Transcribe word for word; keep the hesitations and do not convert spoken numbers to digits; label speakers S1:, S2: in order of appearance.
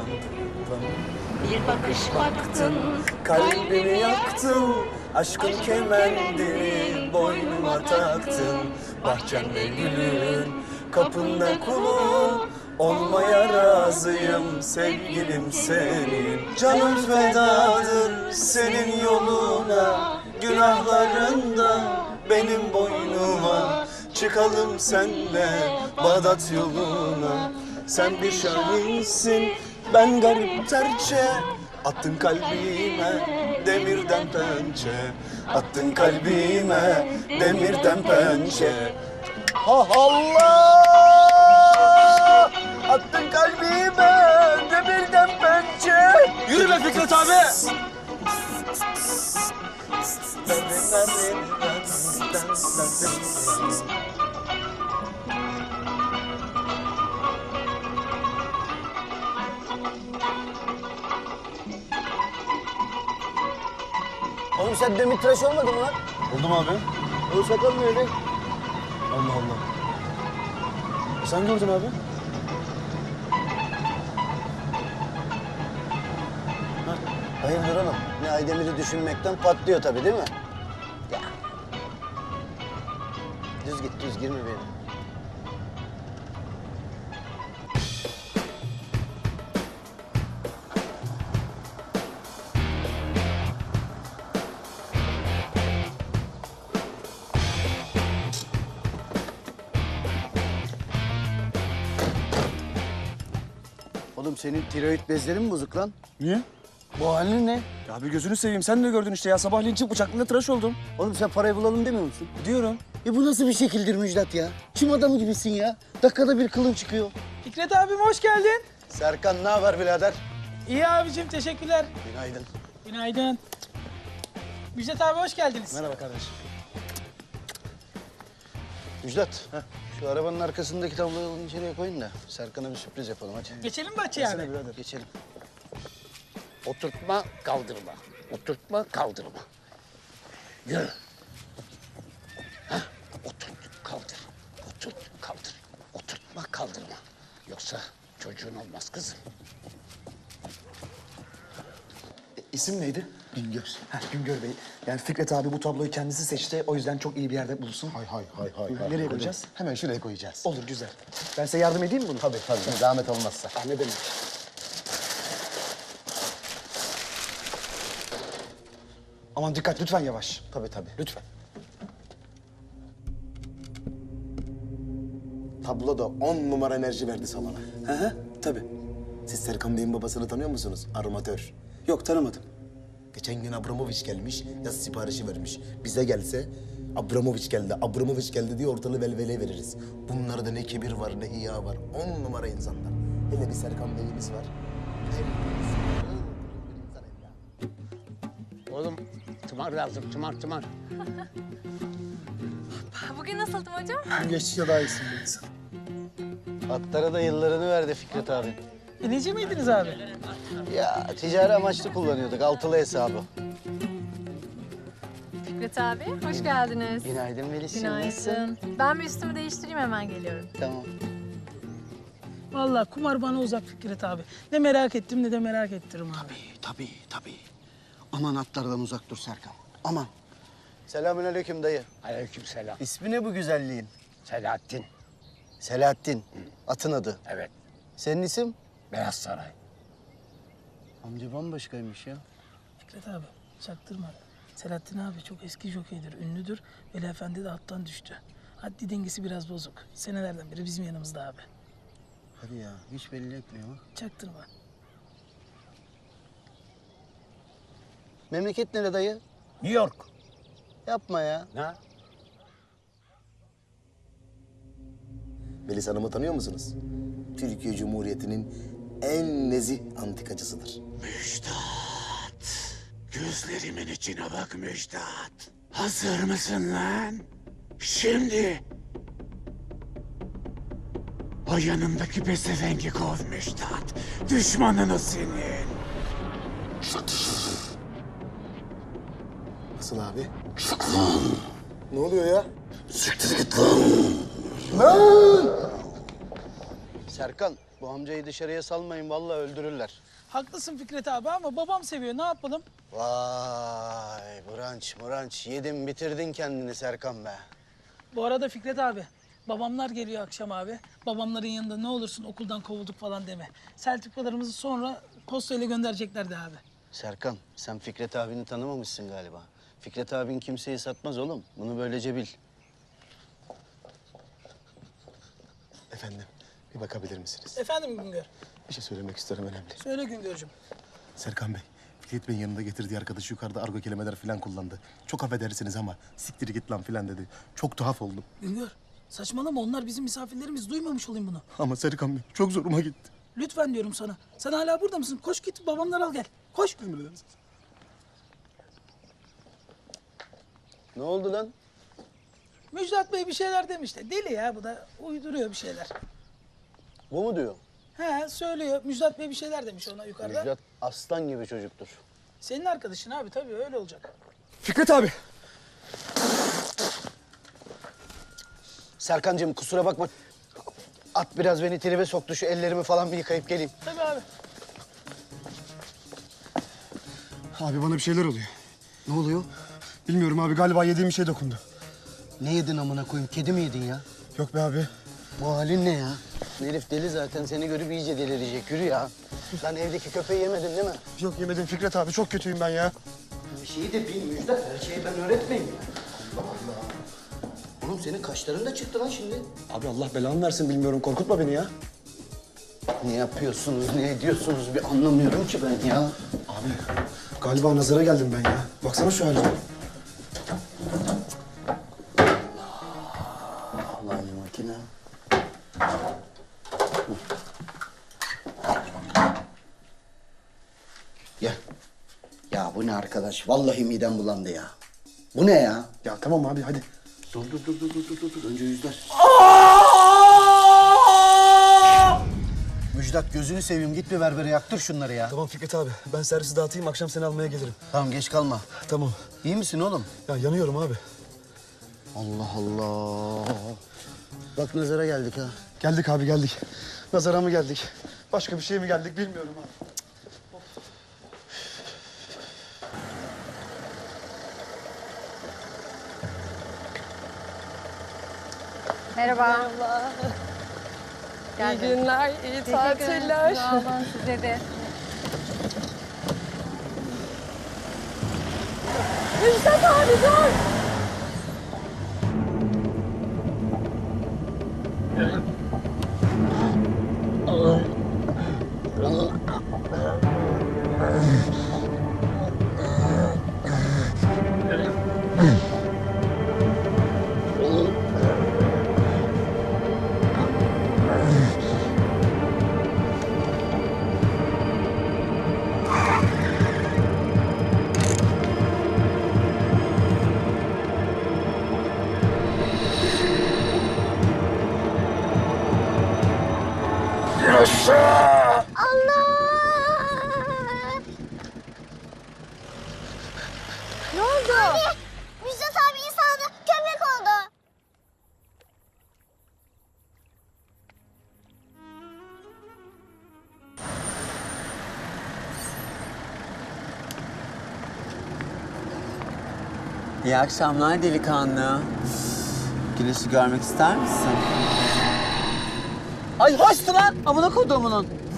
S1: Bir bakış baktın,
S2: Kalbimi yaktın, aşkın kemendini boynuma taktın. Bahçemde gülün, kapında kulun, olmaya razıyım sevgilim senin. Canım fedadır senin yoluna, günahlarında benim boynuma. Çıkalım senle Bağdat yoluna. Sen bir şahinsin, ben garip terçe. Attın kalbime demirden pençe. Attın kalbime demirden pençe. Ha Allah! Attın kalbime demirden pençe.
S3: Yürü be Fikret abi!
S2: Oğlum sen demir tıraş olmadın mı lan?
S3: Oldum abi.
S2: O sakal nerede?
S3: Allah Allah. Sen gördün abi.
S2: Hayırdır oğlum? Ne Aydemir'i düşünmekten patlıyor tabii değil mi? Ya. Düz git, düz girme benim. Oğlum senin tiroid bezlerin mi bozuk lan?
S3: Niye?
S2: Bu halin ne?
S3: Ya bir gözünü seveyim. Sen de gördün işte ya. Sabahleyin çık bıçaklığında tıraş oldum.
S2: Oğlum sen parayı bulalım demiyor musun?
S3: Diyorum.
S2: E bu nasıl bir şekildir Müjdat ya? Çim adamı gibisin ya. Dakikada bir kılın çıkıyor.
S4: Fikret abim hoş geldin.
S2: Serkan ne haber birader?
S4: İyi abicim teşekkürler.
S2: Günaydın.
S4: Günaydın. Müjdat abi hoş geldiniz.
S3: Merhaba kardeşim.
S2: Müjdat, şu arabanın arkasındaki tabloyu alın içeriye koyun da Serkan'a bir sürpriz yapalım hadi.
S4: Geçelim mi bahçeye abi?
S2: Birader. Geçelim.
S1: oturtma, kaldırma. Oturtma, kaldırma. Yürü. Hah, oturt, kaldır. Oturt, kaldır. Oturtma, kaldırma. Yoksa çocuğun olmaz kızım.
S3: İsim neydi?
S2: Güngör.
S3: Heh, Güngör Bey. Yani Fikret abi bu tabloyu kendisi seçti. O yüzden çok iyi bir yerde bulsun.
S5: Hay hay hay hay. hay.
S3: Nereye koyacağız?
S5: Hemen şuraya koyacağız.
S3: Olur, güzel. Ben size yardım edeyim mi bunu?
S5: Tabii tabii. Zahmet olmazsa.
S3: Ah, ne demek? Aman dikkat, lütfen yavaş.
S5: Tabii tabii.
S3: Lütfen.
S5: Tablo da on numara enerji verdi salona.
S2: Hı hı, tabii.
S5: Siz Serkan Bey'in babasını tanıyor musunuz? Armatör.
S2: Yok tanımadım.
S5: Geçen gün Abramovic gelmiş, yaz siparişi vermiş. Bize gelse Abramovic geldi, Abramovic geldi diye ortalığı velveleye veririz. Bunlarda ne kibir var, ne hiya var. On numara insanlar. Hele bir Serkan Bey'imiz var.
S1: Oğlum, tımar lazım, tımar, tımar.
S6: Bugün nasıldım hocam?
S3: Geçtikçe daha iyisin.
S2: Atlara da yıllarını verdi Fikret abi.
S4: Bineci miydiniz abi?
S2: Ya ticari amaçlı kullanıyorduk altılı hesabı.
S6: Fikret abi, hoş geldiniz.
S2: Günaydın Melis'ciğim.
S6: Günaydın. Ben bir üstümü değiştireyim hemen geliyorum.
S2: Tamam.
S4: Vallahi kumar bana uzak Fikret abi. Ne merak ettim ne de merak ettiririm abi.
S2: Tabii tabii. Aman atlardan uzak dur Serkan. Aman. Selamünaleyküm dayı.
S1: Aleykümselam.
S2: İsmi ne bu güzelliğin?
S1: Selahattin.
S2: Selahattin. Atın adı.
S1: Evet,
S2: Senin isim?
S1: Beyaz Saray.
S2: Amca bambaşkaymış ya.
S4: Fikret abi çaktırma. Selahattin abi çok eski jokeydir, ünlüdür. Veli Efendi de attan düştü. Haddi dengesi biraz bozuk. Senelerden beri bizim yanımızda abi.
S2: Hadi ya hiç belli etmiyor ha.
S4: Çaktırma.
S2: Memleket nere dayı?
S1: New York.
S2: Yapma ya.
S1: Ne?
S5: Melis Hanım'ı tanıyor musunuz? Türkiye Cumhuriyeti'nin en nezih antikacısıdır.
S1: Müjdat. Gözlerimin içine bak Müjdat. Hazır mısın lan? Şimdi. O yanındaki pezevengi kov Müjdat. Düşmanın o senin.
S5: Nasıl abi? Ne oluyor ya?
S2: Serkan Bu amcayı dışarıya salmayın, vallahi öldürürler.
S4: Haklısın Fikret abi ama babam seviyor. Ne yapalım?
S2: Vay branç branç yedin bitirdin kendini Serkan be.
S4: Bu arada Fikret abi, babamlar geliyor akşam abi. Babamların yanında ne olursun okuldan kovulduk falan deme. Sertifikalarımızı sonra postayla göndereceklerdi abi.
S2: Serkan sen Fikret abini tanımamışsın galiba. Fikret abin kimseyi satmaz oğlum. Bunu böylece bil.
S5: Efendim, bir bakabilir misiniz?
S4: Efendim Güngör.
S5: Bir şey söylemek isterim önemli.
S4: Söyle Güngör'cüm.
S5: Serkan Bey, Fikret Bey'in yanında getirdiği arkadaş yukarıda argo kelimeler falan kullandı. Çok affedersiniz ama siktir git lan falan dedi. Çok tuhaf oldum.
S4: Güngör, saçmalama onlar bizim misafirlerimiz. Duymamış olayım bunu.
S5: Ama Serkan Bey çok zoruma gitti.
S4: Lütfen diyorum sana. Sen hala burada mısın? Koş git babamları al gel. Koş.
S5: Emredersiniz.
S2: Ne oldu lan?
S4: Müjdat Bey bir şeyler demişti. Deli ya bu da uyduruyor bir şeyler.
S2: Bu mu diyor?
S4: He söylüyor. Müjdat Bey bir şeyler demiş ona yukarıda.
S2: Müjdat aslan gibi çocuktur.
S4: Senin arkadaşın abi tabii öyle olacak.
S3: Fikret abi.
S2: Serkancığım kusura bakma. At biraz beni tribe soktu. Şu ellerimi falan bir yıkayıp geleyim.
S4: Tabii abi.
S3: Abi bana bir şeyler oluyor.
S2: Ne oluyor?
S3: Bilmiyorum abi galiba yediğim bir şey dokundu.
S2: Ne yedin amına koyayım? Kedi mi yedin ya?
S3: Yok be abi.
S2: Bu halin ne ya? Herif deli zaten. Seni görüp iyice delirecek. Yürü ya. Lan evdeki köpeği yemedin değil mi?
S3: Yok yemedim Fikret abi çok kötüyüm ben ya.
S2: Bir şeyi de bil Müjdat. Her şeyi ben öğretmeyeyim ya. Allah Allah. Oğlum senin kaşların da çıktı lan şimdi.
S3: Abi Allah belanı versin bilmiyorum korkutma beni ya.
S2: Ne yapıyorsunuz, ne ediyorsunuz bir anlamıyorum ki ben ya.
S3: Abi galiba nazara geldim ben ya. Baksana şu halime.
S2: Allah'ın makine. Gel. Ya bu ne arkadaş? Vallahi midem bulandı ya. Bu ne ya?
S3: Ya tamam abi hadi.
S2: Dur dur dur dur dur dur dur. Önce yüzler. Müjdat gözünü seveyim git bir berbere yaktır şunları ya.
S3: Tamam Fikret abi ben servisi dağıtayım akşam seni almaya gelirim.
S2: Tamam geç kalma.
S3: Tamam.
S2: İyi misin oğlum?
S3: Ya yanıyorum abi.
S2: Allah Allah. Bak nazara geldik ha.
S3: Geldik abi geldik. Nazara mı geldik? Başka bir şeye mi geldik bilmiyorum abi.
S6: Merhaba.
S7: İyi günler, iyi tatiller.
S6: Sağ olun size de.
S7: Müjdat abi dur.
S6: Ne oldu?
S8: Müjdat abi insandı, köpek oldu.
S9: İyi akşamlar delikanlı. Güneşi görmek ister misin? Ay hoştu lan! Amına koduğumunun.